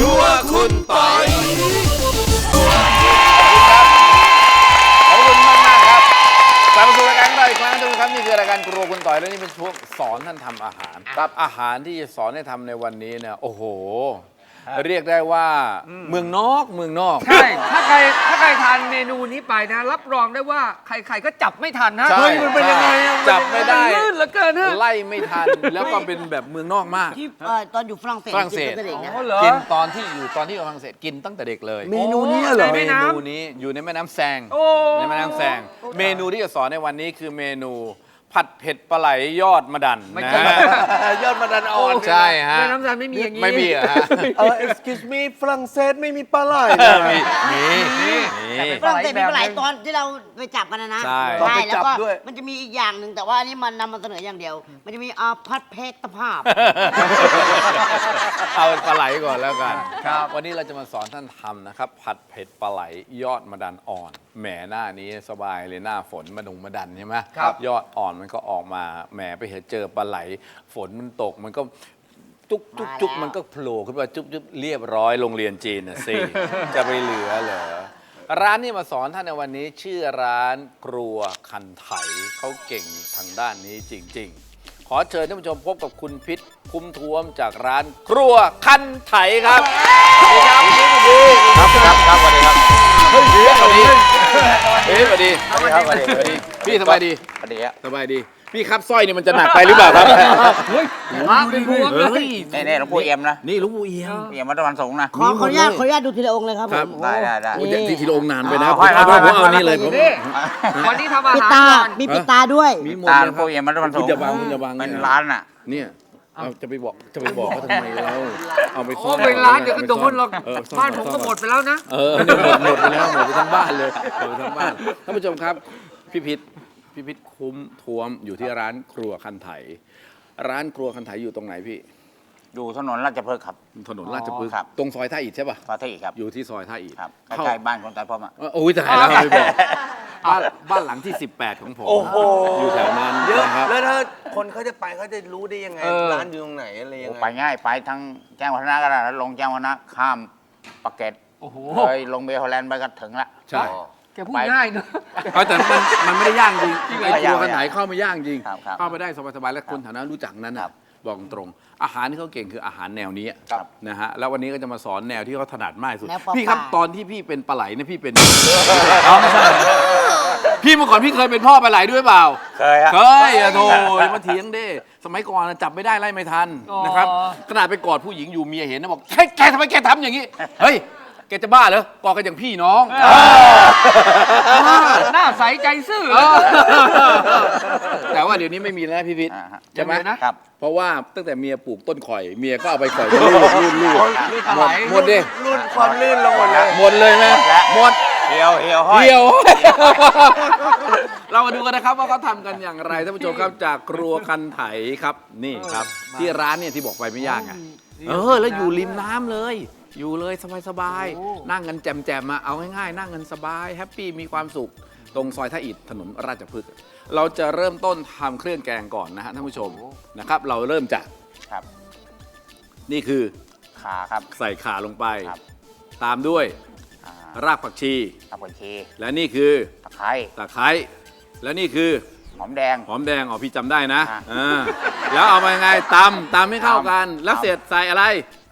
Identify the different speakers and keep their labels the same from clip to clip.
Speaker 1: รัวคุณปอยขอบคุณมากครับกลับมาสู่รายการของเราอีกครั้งทุกท่านนี่คือรายการครัวคุณต่อยและนี่เป็นช่วงสอนท่านทำอาหารครับอาหารที่จะสอนให้ทำในวันนี้เนี่ยโอ้โหเรียกได้ว่าเมืองนอก
Speaker 2: ใช่ถ้าใครทานเมนูนี้ไปนะรับรองได้ว่าใครๆก็จับไม่ทันนะเฮ้ยมันเป็นยังไง
Speaker 1: จับไม่ได้
Speaker 2: ลื่นเหลือเกินฮะ
Speaker 1: ไล่ไม่ทันแล้วก็เป็นแบบเมืองนอกมาก
Speaker 3: ที่ตอนอยู่ฝรั่งเศสกินตั้งแต่เด็กนะ
Speaker 1: กินตอนที่อยู่ฝรั่งเศสกินตั้งแต่เด็กเลย
Speaker 2: เมนูนี้เหรอ
Speaker 1: เมนูนี้อยู่ในแม่น้ำแซงในแม่น้ำแซงเมนูที่จะสอนในวันนี้คือเมนูผัดเผ็ดปลาไหลยอดมะดันนะ
Speaker 4: ยอดมะดันอ่อน
Speaker 1: ใช่ฮะ
Speaker 2: แม่น้ำแซงไม่มีอย่างนี้
Speaker 1: ไม่มีฮะ
Speaker 4: excuse me ฝรั่งเศสไม่มีปลาไหล
Speaker 1: มี
Speaker 3: ฝรั่งเศสมีปลาไหลตอนที่เราไปจับกันนะ
Speaker 1: ใช่
Speaker 3: แล้วก็มันจะมีอีกอย่างหนึ่งแต่ว่าอันนี้มันนำมาเสนออย่างเดียวมันจะมีผัดเผ็ดตะภาพ
Speaker 1: เอาปลาไหลก่อนแล้วกันครับวันนี้เราจะมาสอนท่านทำนะครับผัดเผ็ดปลาไหลยอดมะดันอ่อนแหมหน้านี้สบายเลยหน้าฝนมะดันใช่ไหมยอดอ่อนมันก็ออกมาแหมไปเห็นเจอปลาไหลฝนมันตกมันก็จุกมันก็โผล่ขึ้นมาจุบเรียบร้อยโรงเรียนจีนนะสิจะไปเหลือเหรอร้านนี้มาสอนท่านในวันนี้ชื่อร้านครัวคันไถเขาเก่งทางด้านนี้จริงๆขอเชิญท่านผู้ชมพบกับคุณพิษคุ้มท้วมจากร้านครัวคันไถครับสวัสดีครับครับสวัสดีครับสวัสดีสวัสดีพี่สบายดีสบายดีพี่ครับสร้อยนี่มันจะหนักไปหรือเปล่าครับ
Speaker 2: เฮ้ยมาเป็นพวงเลย
Speaker 5: นี่หลวงปู่เอี่ยมนะ
Speaker 1: นี่หลวงปู่เอี่ยม
Speaker 5: วัดตะวันสงนะ
Speaker 3: ขออนุญาตดูทีละองค์เลยครับผม
Speaker 5: ได้
Speaker 1: ทีละองค์นานไปนะผมเอานี่เลยผม
Speaker 2: วันนี้ทำอาหาร
Speaker 3: มีปิดตาด้วย
Speaker 5: ตาหลวงปู่เอี่ยมวัดตะวันสง
Speaker 1: คุณจะวาง
Speaker 5: เป็นร้านอ่ะ
Speaker 1: เนี่ยจะไปบอกเขาทำไมเราเอาไปซ่อน
Speaker 2: เป็นร้านเดี๋ยวก็โดนหรอกบ้านผมก็หมดไปแล้วนะ
Speaker 1: หมดไปแล้วหมดไปทั้งบ้านเลยหมดไปทั้งบ้านท่านผู้ชมครับพี่พิษคุ้มท้วมอยู่ที่ร้านครัวคันไถร้านครัวคันไถอยู่ตรงไหนพี่
Speaker 5: อยู่ถนนราชพฤกษ์ครับ
Speaker 1: ถนนราชพฤกษ์ตรงซอยท่าอิฐใช่ป่ะ
Speaker 5: ซอยท่าอิฐครับ
Speaker 1: อยู่ที่ซอยท่าอิฐ
Speaker 5: ครับใกล้ๆบ้านคนตายพ่อมา
Speaker 1: โอ้ยตายแล้วไม่บอกบ้านหลังที่18ของผมอยู่แถวนั้น
Speaker 4: เยอะแล้วถ้าคนเขาจะไปเขาจะรู้ได้ยังไงร้านอยู่ตรงไหนอะไรยังไง
Speaker 5: ไปง่ายไปทั้งแจ้งวัฒนะก็ได้แล้วลงแจ้งวัฒนะข้ามปากเกร็ดเลยลงเบลฮอลแลนด์ไปก็ถึงละ
Speaker 1: ใช่
Speaker 2: แกพูดง่ายเนอะ
Speaker 1: แต่มันไม่ได้ย่างจริงไอ้ครัวคันไถเข้ามาย่างจริงเข้าไปได้สบายๆและคนแถวนั้นรู้จักนั้นบอกตรงอาหารที่เขาเก่งคืออาหารแนวนี้นะฮะแล้ววันนี้ก็จะมาสอนแนวที่เขาถนัดมากสุดพี่ครับตอนที่พี่เป็นปลาไหลเนี่ยพี่เป็นไม่ใช่พี่เมื่อก่อนพี่เคยเป็นพ่อปลาไหลด้วยเปล่าเคยโธ่มาเถียงเด้สมัยก่อนจับไม่ได้ไล่ไม่ทันนะครับขนาดไปกอดผู้หญิงอยู่เมียเห็นนะบอกแกทำไมแกทำอย่างนี้เฮ้ยแกจะบ้าเหรอกอดกันอย่างพี่น้อง
Speaker 2: หน้าใสใจซื่อ
Speaker 1: แต่ว่าเดี๋ยวนี้ไม่มีแล้วพี่พิษใช่ไหม
Speaker 5: นะครับ
Speaker 1: เพราะว่าตั้งแต่เมียปลูกต้นข่อยเมียก็เอาไปข่อยลื่นหมดดิ
Speaker 4: ลื่นความลื่นลงหมด
Speaker 1: เลยไหมหมด
Speaker 5: เหี่ยว
Speaker 1: เรามาดูกันนะครับว่าเขาทำกันอย่างไรท่านผู้ชมครับจากครัวคันไถครับนี่ครับที่ร้านเนี่ยที่บอกไปไม่ยากไงแล้วอยู่ริมน้ำเลยอยู่เลยสบายๆนั่งกันแจมๆมาเอาง่ายๆนั่งกันสบายแฮปปี้มีความสุขตรงซอยท่าอิฐถนนราชพฤกษ์เราจะเริ่มต้นทำเครื่องแกงก่อนนะฮะท่านผู้ชมนะครับเราเริ่มจากนี่คือ
Speaker 5: ข่าครับ
Speaker 1: ใส่ข่าลงไปตามด้วยรากผักชีและนี่คือ
Speaker 5: ตะไคร้
Speaker 1: และนี่คือ
Speaker 5: หอมแดง
Speaker 1: อ๋อพี่จำได้นะแล้วเอาไปไงตำให้เข้ากันแล้วเสร็จใส่อะไร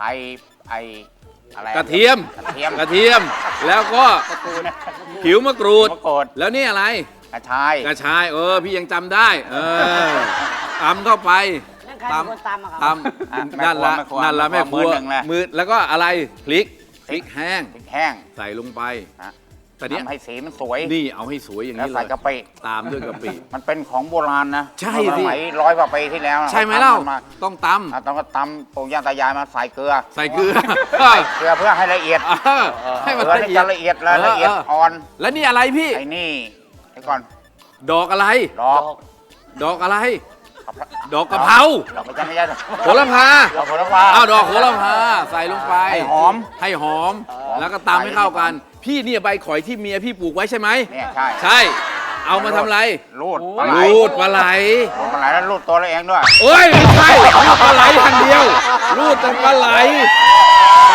Speaker 5: อะไร
Speaker 1: กระเทียมแล้วก็ผิวมะกรูดแล้วนี่อะไร
Speaker 5: กระชาย
Speaker 1: พี่ยังจำได้ตำเข้าไปตำนั่นละแม่ครัวมือแล้วก็อะไรพริกแห้งใส่ลงไปแต่เนี้ย
Speaker 5: ให้สีมันสวย
Speaker 1: นี่เอาให้สวยอย่างนี้เลย
Speaker 5: ใส่กะปิ
Speaker 1: ตามด้วยกะปิ
Speaker 5: มันเป็นของโบราณนะ
Speaker 1: ใช่สิ
Speaker 5: สมัย100 กว่าปีที่แล้ว
Speaker 1: ใช่ไหมเล่าต้องต
Speaker 5: ำปู่ย่าตายายมาใส่เกลือ
Speaker 1: เพื่
Speaker 5: อให้ละเอียด
Speaker 1: ให้มันละเอียด
Speaker 5: อ่อน
Speaker 1: แล้วนี่อะไรพี่
Speaker 5: ไอ้นี่ไอ้ก่อน
Speaker 1: ดอกอะไรดอกอะไรดอกกะเพรา
Speaker 5: ไม่ใช่
Speaker 1: โหระพาดอกโหระพาใส่ลงไปให้หอมแล้วก็ตำให้เข้ากันพี่เนี่ยใบข่อยที่เมียพี่ปลูกไว้ใช่ไหมใช่เอามาทำอะไร
Speaker 5: รูด
Speaker 1: ปลาไหล
Speaker 5: แล้วรูดตัวเราเองด้วย
Speaker 1: โอ้ยไม่ใช่รูดปลาไหลอย่างเดียวรูดแต่ปลาไหล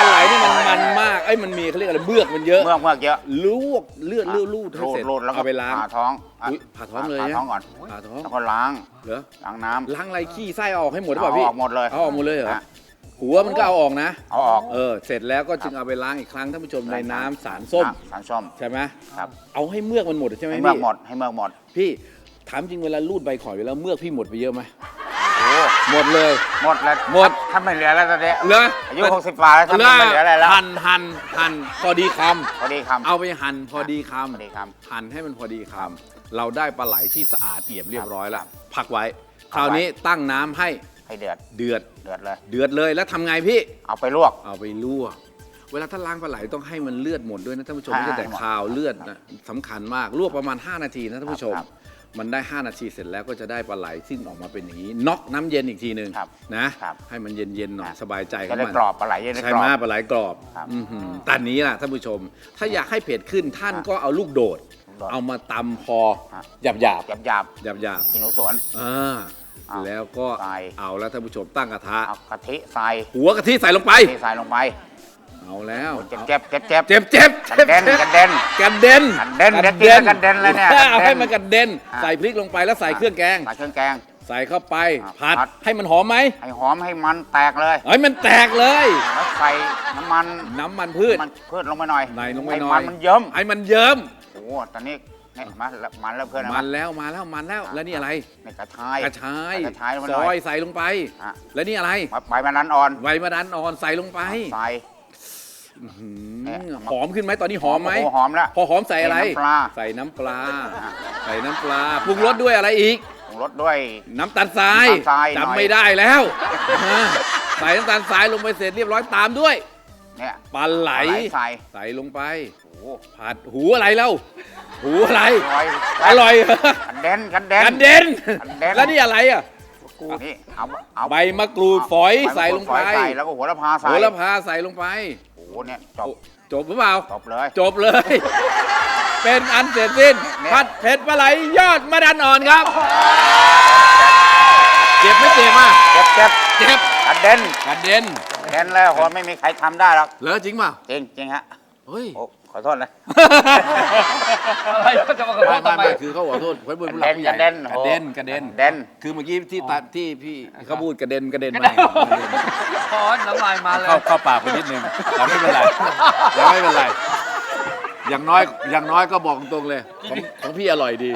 Speaker 1: ไหลนี่มันมากมันมีเขาเรียกอะไรเมือกมันเยอะ
Speaker 5: เมือกเยอะ
Speaker 1: ลวกเลือดลูดให้เสร็จ
Speaker 5: รูดแล้วก็
Speaker 1: เอาไปล้าง
Speaker 5: ผ่าท้อง
Speaker 1: อุ๊ยผ่าท้องเลย
Speaker 5: ผ่า
Speaker 1: นะ
Speaker 5: ท้องก่อน
Speaker 1: ผ่าท้อง
Speaker 5: แล้วก็ล้าง
Speaker 1: เหรอ
Speaker 5: ล้างน้ำ
Speaker 1: ล้างอะไรขี้ไส้เอาออกให้หมดหรือเปล่าพี่
Speaker 5: เอาออกหมดเลย
Speaker 1: เอาออกหมดเลยเหรอ
Speaker 5: ฮะ
Speaker 1: หัวมันก็เอาออกนะ
Speaker 5: เอาออก
Speaker 1: เสร็จแล้วก็จึงเอาไปล้างอีกครั้งท่านผู้ชมในน้ำสารส้ม
Speaker 5: สารส้ม
Speaker 1: ใช่ไหม
Speaker 5: ครับ
Speaker 1: เอาให้เมือกมันหมดใช่ไหม
Speaker 5: ให้
Speaker 1: พี่
Speaker 5: เมือกหมดให้เมือกหมด
Speaker 1: พี่ถามจริงเวลาลูดใบข่อยไปแล้วเมือกพี่หมดไปเยอะไหม
Speaker 5: โอ้
Speaker 1: หมดเลย
Speaker 5: หมดแล้ว
Speaker 1: หมด
Speaker 5: ถ้าไม่เหลือแล้วตอนนี้
Speaker 1: เหรอ
Speaker 5: อายุ60กว่าแล้วถ้าไม่เหลืออะไรแล้ว
Speaker 1: หั่นพอดีค
Speaker 5: พอดีคำ
Speaker 1: ำเอาไปหั่นพอดีค
Speaker 5: พอดีค
Speaker 1: ำหั่นให้มันพอดีคำเราได้ปลาไหลที่สะอาดเอี่ยมเรียบร้อยแล้วพักไว้ คราวนี้ตั้งน้ำให้
Speaker 5: ให้เดือด
Speaker 1: เดือด
Speaker 5: เดือดเลย
Speaker 1: เดือดเลยแล้วทำไงพี่
Speaker 5: เอาไปลวก
Speaker 1: เอาไปลวก เวลาถ้าล้างปลาไหลต้องให้มันเลือดหมดด้วยนะท่านผู้ชม
Speaker 5: ใช่
Speaker 1: ไม่ใช่แต่คาวเลือดนะสำคัญมากลวกประมาณ 5 นาทีนะท่านผู้ชม
Speaker 5: ครับ
Speaker 1: มันได้ 5 นาทีเสร็จแล้วก็จะได้ปลาไหลซึ่งออกมาเป็นอย่างนี้น็อกน้ำเย็นอีกทีหนึ่ง
Speaker 5: ครับ
Speaker 1: นะครับ ให้มันเย็นๆหน่อยสบายใจข
Speaker 5: จะ
Speaker 1: อง
Speaker 5: ได้
Speaker 1: มัน
Speaker 5: กรอบปลาไหลจะได้
Speaker 1: ใช่
Speaker 5: กร
Speaker 1: ไหม
Speaker 5: อบ
Speaker 1: ปลาไหลกรอบ
Speaker 5: ครับ
Speaker 1: แต่นี้ล่ะท่านผู้ชม ถ้าอยากให้เผ็ดขึ้นท่านก็เอาลูกโดด
Speaker 5: ลูกโดด
Speaker 1: เอามาตำพอ
Speaker 5: ฮะ
Speaker 1: หยาบหยาบ
Speaker 5: หยาบหยาบ
Speaker 1: หยาบหยาบ
Speaker 5: ที่หนูสวน
Speaker 1: แล้วก็
Speaker 5: ใส่
Speaker 1: เอาแล้วท่านผู้ชมตั้งกระทะ
Speaker 5: เอากะทิใส่
Speaker 1: หัวกะทิใส่ลงไป
Speaker 5: ที่ใส่ลงไป
Speaker 1: เอาแล้ว
Speaker 5: เจ็บเจ็บเจ็บเจ็บ
Speaker 1: เจ็บเจ็บ
Speaker 5: กระเด็นกระเด็น
Speaker 1: กระเด็น
Speaker 5: กระเด็นเดี๋ยวกินแล้วกระเด็นเลยเนี่ย
Speaker 1: เอาให้
Speaker 5: กระเด็น
Speaker 1: มันกระเด็น
Speaker 5: อ่ะ
Speaker 1: ใส่พริกลงไปแล้วใส่เครื่องแกง
Speaker 5: ใส่เครื่องแกง
Speaker 1: ใส่เข้าไป
Speaker 5: อ่ะ
Speaker 1: ผัด
Speaker 5: ผัด
Speaker 1: ให้มันหอมไหม
Speaker 5: ให้หอมให้มันแตกเลย
Speaker 1: เฮ้ยมันแตกเลย
Speaker 5: แล้วใส่น้ำมัน
Speaker 1: น้ำมันพืช
Speaker 5: มันพืชลงไปหน่อย
Speaker 1: ในลงไป
Speaker 5: ให้
Speaker 1: หน่
Speaker 5: มั
Speaker 1: อย
Speaker 5: นมันเยิ้ม
Speaker 1: ให้มันเยิ้ม
Speaker 5: โอ้โหตอนนี้เนี่ยมาแล้วมันแล้วเพื่อน
Speaker 1: มันแล้วมาแล้วมันแล้วแล้วนี่อะไร
Speaker 5: นี่กระชาย
Speaker 1: กระชาย
Speaker 5: กระชายลงไปห
Speaker 1: ซ
Speaker 5: น่
Speaker 1: อ
Speaker 5: อย ย
Speaker 1: ใส่ลงไป
Speaker 5: อ่ะ
Speaker 1: แล้วนี่อะไร
Speaker 5: ใบมะนาวอ่อน
Speaker 1: ใบมะดันอ่อนใส่ลงไป
Speaker 5: ใส่
Speaker 1: หืม
Speaker 5: เนี่ย
Speaker 1: หอมขึ้นไหมตอนนี้หอมไหม
Speaker 5: โโหอมแล้ว
Speaker 1: พอหอมใส่อะไร
Speaker 5: ใส่น้ำปลา
Speaker 1: ใส่น้ำปลาปรุงรสด้วยอะไรอีก
Speaker 5: ปรุงรสด้วย
Speaker 1: น้ำตาลทราย
Speaker 5: น้ำตาลทรายหน่อย
Speaker 1: จำไม่ได้แล้วใส่น้ำตาลทรายลงไปเสร็จเรียบร้อยตามด้วย
Speaker 5: เนี่ย
Speaker 1: ปลาไหล
Speaker 5: ใส่
Speaker 1: ใส่ลงไป
Speaker 5: โอ้โห
Speaker 1: ผัดหูอะไรเล่าหูอะไร
Speaker 5: อร่อย
Speaker 1: อร่อยเหรอก
Speaker 5: ระเด็นกระเด็น
Speaker 1: กันเด่น
Speaker 5: กันเด่น
Speaker 1: แล้วนี่อะไรอ่ะ
Speaker 5: อันนี้เอา
Speaker 1: ใบมะกรูดฝอย
Speaker 5: ใบมะกรูด
Speaker 1: ใส่ลงไป
Speaker 5: ฝอยใส่แล้วก็โหัวละพาใส่
Speaker 1: โหระพาใส่ลงไป
Speaker 5: โอ้โหเนี่ยจบ
Speaker 1: จบหรือเปล่า
Speaker 5: จบเลย
Speaker 1: จบเลย เป็นอันเสร็จสิ้น
Speaker 5: เนี่ย
Speaker 1: ผัดเผ็ดปลาไหลยอดมะดันอ่อนครับ เจ็บไม่เจ็บอ่ะ
Speaker 5: เจ็บเจ็บ
Speaker 1: เจ็บ
Speaker 5: กระเด็น
Speaker 1: กระเด็น
Speaker 5: กระเด็นเลยโหไม่มีใครทำได้หรอก
Speaker 1: เหรอจริงเปล่า
Speaker 5: จริงจริงฮะ
Speaker 1: เฮ้ย
Speaker 5: โอ้ขอโทษนะ
Speaker 2: อะไรก็จะมาขอโทษทำไม
Speaker 1: ไม่คือเขาขอโทษเพื่อนผู้หลักผู้ใหญ่
Speaker 5: กระเด็น
Speaker 1: กระเด็นกระเด็น
Speaker 5: กระเด็น
Speaker 1: คือเมื่อกี้ที่พี่เขาพูดกระเด็นกระเด็น
Speaker 2: กระ
Speaker 1: มา
Speaker 2: เด็น ขอน้ำลายมาเลย
Speaker 1: เข้าปากไปนิดนึงแต่ไม่เป็นไรยังไม่เป็นไร อย่างน้อยก็บอกตรงๆเลยของพี่อร่อยดี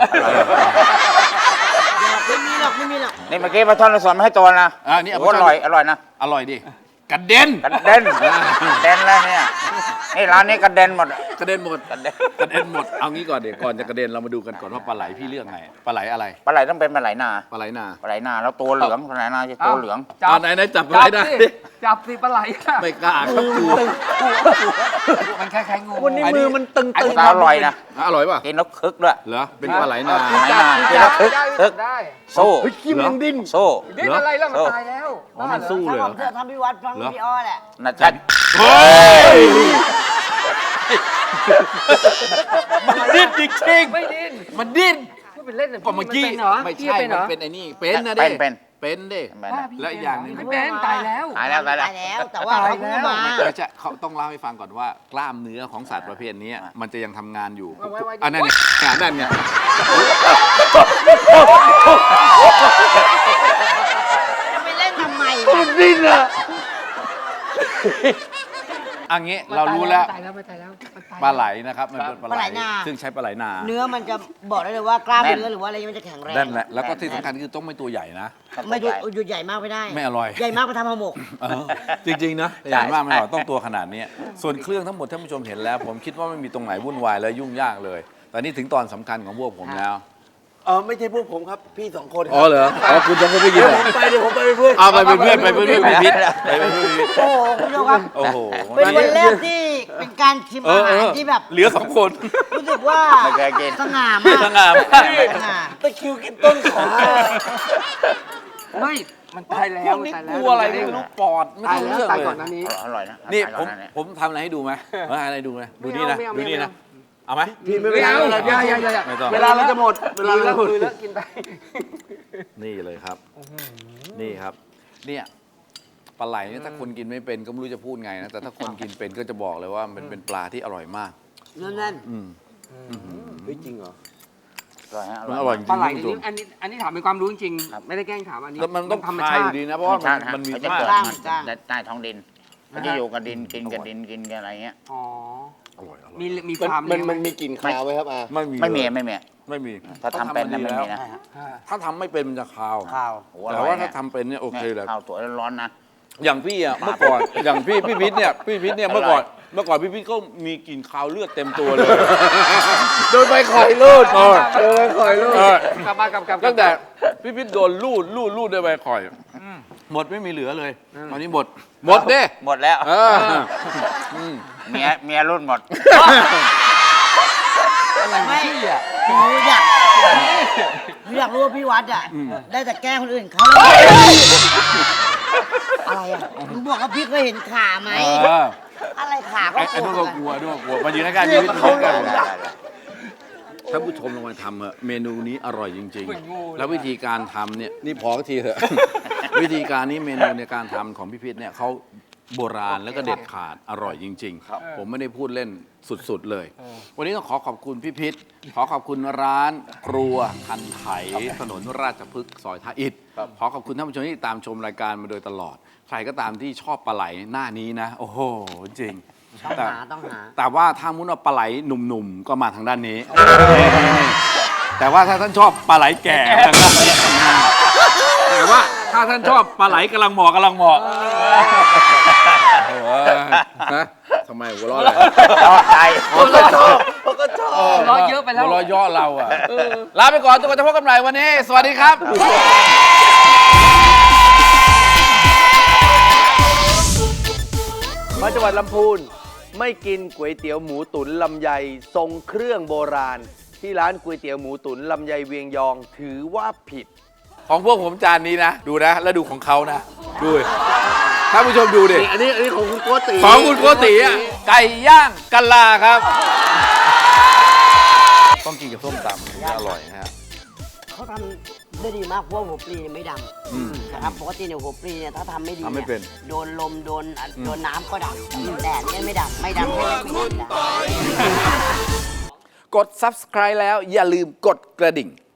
Speaker 3: ไม่มีหรอกไม่มีหรอก
Speaker 5: นี่เมื่อกี้ปลาทอดเราสอนมาให้ตัวนะ
Speaker 1: นี่
Speaker 5: โอ้อร่อยอร่อยนะ
Speaker 1: อร่อยดิกระเด็น
Speaker 5: กระเด็นกระเด็นแล้วเนี่ยนี่ร้านนี้กระเด็นหมด
Speaker 1: กระเด็นหมด
Speaker 5: กระเด็น
Speaker 1: กระเด็นหมดเอางี้ก่อนเดี๋ยวก่อนจะกระเด็นเรามาดูกันก่อนว่าปลาไหลพี่เลือกไงปลาไหลอะไร
Speaker 5: ปลาไหลต้องเป็นปลาไหลนา
Speaker 1: ปลาไหลนา
Speaker 5: ปลาไหลนาแล้วตัวเหลืองปลาไหลนาจะตัวเหลือง
Speaker 1: เอาไหนจับปลาไหลได้
Speaker 2: จับสิปลาไหลอะ
Speaker 1: ไม่กล้าครับกลัว
Speaker 2: มันคล้ายๆงู
Speaker 4: วันนี้มือมันตึง
Speaker 5: อัน
Speaker 4: ตึ
Speaker 5: นี้
Speaker 4: ง
Speaker 5: ก็อร่อยนะ
Speaker 1: อร่อยป่ะ
Speaker 5: กินแล้วคึกด้วย
Speaker 1: เหรอเป็นปลาไหลนา
Speaker 5: ปลาไหลนากินแล้วคึก
Speaker 2: ได้
Speaker 5: สู้
Speaker 4: เฮ้ยขี้มันยังดิ้น
Speaker 5: สู้
Speaker 2: ดิ้นอะไรแล้วมันตายแล้ว
Speaker 1: อ๋อมันสู้เลยเหร
Speaker 3: ถ้าผ
Speaker 1: อ
Speaker 3: มเธอทำพี่วัดฟังพี่อ้อแหละ
Speaker 5: นะจ๊ะ
Speaker 1: เฮ้ยมันดิ้นจริง
Speaker 2: ไม่ดิ้น
Speaker 1: ๆมันดิ้น
Speaker 2: พูดเป็นเล่นน่ะ
Speaker 1: ก็เมื่อกี้
Speaker 2: นป็นเหรอ
Speaker 1: ไม่
Speaker 2: พี่
Speaker 1: ใช่
Speaker 2: เป็นเหร
Speaker 1: มั
Speaker 2: อน
Speaker 1: เป็นไอ้นี่เป็นนะดิเป็นดิ และอีกอย่างหนึ่ง
Speaker 2: ไม่เป็นตายแล้ว
Speaker 5: ตายแล้ว
Speaker 3: ตายแล้ว แต่ว่าเขาพูดมา
Speaker 1: ไม่ใช่เขาต้องเล่าให้ฟังก่อนว่ากล้ามเนื้อของสัตว์ประเภทนี้มันจะยังทำงานอยู่
Speaker 2: ไว้
Speaker 1: อันนั้นเนี่ยนั่นไง
Speaker 3: จะไปเล่นทำไม
Speaker 4: ดิ้นอะ
Speaker 1: อันนี้เรารู้แล้ว
Speaker 2: ตายแล้วมันตายแล้วมันตาย
Speaker 1: ปลาไหลนะครับมันเป็นปลา
Speaker 3: ปลา
Speaker 1: ไห
Speaker 3: ไห
Speaker 1: ล
Speaker 3: ลนา
Speaker 1: ซึ่งใช้ปลาไหลนา
Speaker 3: เนื้อมันจะบอกได้เลยว่ากล้ามเนื้อหรือว่าอะไรมันจะแข็งแรง
Speaker 1: นั่นแหละแล้วก็ที่สำคัญคือต้องไม่ตัวใหญ่นะ
Speaker 3: ไม่หยุดใหญ่มากไม่ได้
Speaker 1: ไม่อร่อย
Speaker 3: ใหญ่มากไปทำห่อหมก
Speaker 1: เออจริงๆนะอย่างมากไม่หรอกต้องตัวขนาดนี้ส่วนเครื่องทั้งหมดท่านผู้ชมเห็นแล้ว ผมคิดว่าไม่มีตรงไหนวุ่นวายและยุ่งยากเลยตอนนี้ถึงตอนสำคัญของพวกผมแล้ว
Speaker 4: ไม่ใช่พวกผมครับ พี่2 คนค
Speaker 1: อ๋อ
Speaker 4: รับ
Speaker 1: เหรออ๋อคุณจะไม่ยิน
Speaker 4: เดี๋ยว
Speaker 1: เหรอ
Speaker 4: ผมไปเดี๋ยวผมไปเป็นเพื่อน
Speaker 1: เอาไปเป็นเพื่อนไปเป็นเพื่อนพี่พิษไปเป็นเพื่อนพี่พิษ
Speaker 3: โอ้โหคุณผู้ชมครับ
Speaker 1: โอ้โห
Speaker 3: เป็นวันแรกที่เป็นการชิมอาหารที่แบบ
Speaker 1: เหลือ2 คน
Speaker 3: รู้สึกว่า
Speaker 5: ไม่เคยกิน
Speaker 3: สง่ามาก
Speaker 1: สง่ามาก
Speaker 3: สง่า
Speaker 4: ตะคริวกินต้นขา
Speaker 2: ไม่มันตายแล้ว
Speaker 1: พวกนี้
Speaker 2: ตาย
Speaker 1: ก
Speaker 2: แล้ว
Speaker 1: ลัวอะไรไม่รู้ปอดไม่
Speaker 2: ตาย
Speaker 1: ต้อง
Speaker 2: แล้ว
Speaker 1: เรื่อง
Speaker 2: ตาย
Speaker 1: เล
Speaker 2: ก่อนห
Speaker 1: ย
Speaker 2: น้านี้
Speaker 5: อร่อยนะ
Speaker 1: นี่
Speaker 5: ตาย
Speaker 1: ผ
Speaker 5: ก่อ
Speaker 1: ม
Speaker 5: หา
Speaker 1: ผมทำอะไรให้ดูไหมอะไรดูไหมดูนี่นะ
Speaker 2: ไม่เอา
Speaker 1: ดูนี่
Speaker 2: ไม่
Speaker 1: นะ
Speaker 2: เอา
Speaker 1: เอาไหม
Speaker 4: พี่ไม่
Speaker 2: ไม่
Speaker 4: เป็นไร
Speaker 2: เอา
Speaker 4: ไม่เป็นไร
Speaker 2: อย่า
Speaker 1: ไม่ต้อง
Speaker 4: เวลาเราจะหมดเวลาเราจะหมด
Speaker 2: คือแล้วกินไป
Speaker 1: นี่เลยครับ นี่ครับ เนี่ยปลาไหลเนี่ยถ้าคนกินไม่เป็นก็ไม่รู้จะพูดไงนะแต่ถ้าคนกินเป็นก็จะบอกเลยว่ามันเป็นปลาที่อร่อยมาก
Speaker 3: นั่น
Speaker 4: เฮ้ยจริงเหรอ
Speaker 5: อร่อยฮะอ
Speaker 1: มัน
Speaker 5: ร่
Speaker 1: อ
Speaker 5: อย
Speaker 1: ร่อยจริง
Speaker 2: ปลาไหล
Speaker 1: ท่านผู้ช
Speaker 2: นี่
Speaker 1: ม
Speaker 2: อันนี้ถามเป็นความรู้จริง
Speaker 5: ครับ
Speaker 2: ไม่ได้แกล้งถามอันนี้
Speaker 1: แล้วมันต้อง
Speaker 2: ธรรม
Speaker 1: คาย
Speaker 2: ชา
Speaker 1: อ
Speaker 2: ติ
Speaker 1: ยู่ดีนะเพราะว่ามันมี
Speaker 5: เขาจะ
Speaker 1: มาก
Speaker 5: เกิด
Speaker 3: กล้าง
Speaker 5: มัน
Speaker 3: กล้าง
Speaker 5: ใต้ท้องดินมันจะอยู่กับดินกินกับดินกินกับอะไรเงี้ย
Speaker 2: อ๋อ
Speaker 1: อร่อย
Speaker 2: มีฟาร์ม
Speaker 4: มัน
Speaker 2: เลี้ยงไห
Speaker 4: มีกลิ่นคาวไหมครับอา
Speaker 1: ไม่มี
Speaker 5: ไม่มี
Speaker 1: เลย
Speaker 5: ไม่มี
Speaker 1: ไม่มี
Speaker 5: ถ้าทำเป็นนะไม่มีนะ
Speaker 1: ถ้าทำไม่เป็นมันจะคาว
Speaker 2: ข้าว
Speaker 5: โอ้โหอ
Speaker 1: แต่
Speaker 5: ร่อย
Speaker 1: ว่า
Speaker 5: เนี่
Speaker 1: ถ้าย ทำเป็นเนี่ยโอเคเลย
Speaker 5: ข้าวสวยร้อนๆนะ
Speaker 1: อย่างพี่อ่ะเมื่อก่อนอย่างพี่พิษเนี่ยเมื่อก่อนพี่พิษก็มีกลิ่นคาวเลือดเต็มตัวเลย
Speaker 4: โดนใบข่อยลูดโดนใบข่อยลูด
Speaker 2: กลับมากลับ
Speaker 1: ตั้งแต่พี่พิษโดนลูดด้วยใบข่อยหมดไม่มีเหลือเลยตอนนี้หมดเด้
Speaker 5: หมดแล้ว
Speaker 1: เออ
Speaker 5: เมียรุ่นหมด
Speaker 3: ไม่หนูอยากรู้ว่าพี่วัดอ่ะได้แต่แกล้งคนอื่นเขาอะไรอ่ะหนูบอกว่าพี่เคยเห็นขาไหม อะไรขาก็
Speaker 1: ไอ้นู่นก็
Speaker 3: ก
Speaker 1: ก
Speaker 3: ลั
Speaker 1: ลั
Speaker 3: ว
Speaker 1: วด้วยกลัวมายืนใกล้ๆพี่พิษใกล้ๆท่านผู้ชมลองมาทำเถอะเมนูนี้อร่อยจริง ๆ แล้ววิธีการทำเนี่ยนี่พอทีเถอะ วิธีการนี้เมนูในการทำของพี่พิษเนี่ยเขาโบราณแล้วก็เด็ดขาดอร่อยจริงๆผมไม่ได้พูดเล่นสุดๆเลย วันนี้ต้องขอขอบคุณพี่พิษขอขอบคุณร้านครัวคันไถถนนราชพฤกษ์ซอยท่าอิฐขอขอบคุณท่านผู้ชมที่ตามชมรายการมาโดยตลอด ใครก็ตามที่ชอบปลาไหลหน้านี้นะ โอ้โหจริง
Speaker 3: ต้องหา
Speaker 1: แต่ว่าถ้ามุนว่าปลาไหลหนุ่มๆก็มาทางด้านนี้ แต่ว่าถ้าท่านชอบปลาไหลแก่ทางด้านนี้แต่ว่าถ้าท่านชอบปลาไหลกำลังเหมาะโอ้โหนะทำไมหัวเราะอะไร
Speaker 5: ชอบใจ
Speaker 4: เขาก็ชอบเขาก็ชอบ
Speaker 2: ร้อยเยอะไปแล้ว
Speaker 1: หัวเราะย่อเราอ่ะลาไปก่อนจนกว่าจะพบกันใหม่วันนี้ สวัสดีครับ
Speaker 4: มาจังหวัดลำพูนไม่กินก๋วยเตี๋ยวหมูตุ๋นลำไยทรงเครื่องโบราณ ที่ร้านก๋วยเตี๋ยวหมูตุ๋นลำไยเวียงยองถือว่าผิด
Speaker 1: ของพวกผมจานนี้นะ ดูนะ แล้วดูของเขานะ ดูดิท่านผู้ชมดูดิ
Speaker 4: อันนี้ของคุณโกติ
Speaker 1: ของคุณโกติอ่ะไก่ย่างกันลาครับ ต้องกินกับส้มตำถึงจะอร่อยนะฮะ
Speaker 3: เขาทำได้ดีมากเพราะว่าหัวปลีเนี่ยไม่ดำนะครับปกติเนี่ยหัวปลีเนี่ยถ้าทำไม่ดี
Speaker 1: ทำไม่เป็น
Speaker 3: โดนลมโดนน้ำก็ดำแดดเนี่ยไม่ดำไม่ดำให้ไม่ดำ
Speaker 1: กด subscribe แล้วอย่าลืมกดกระดิ่ง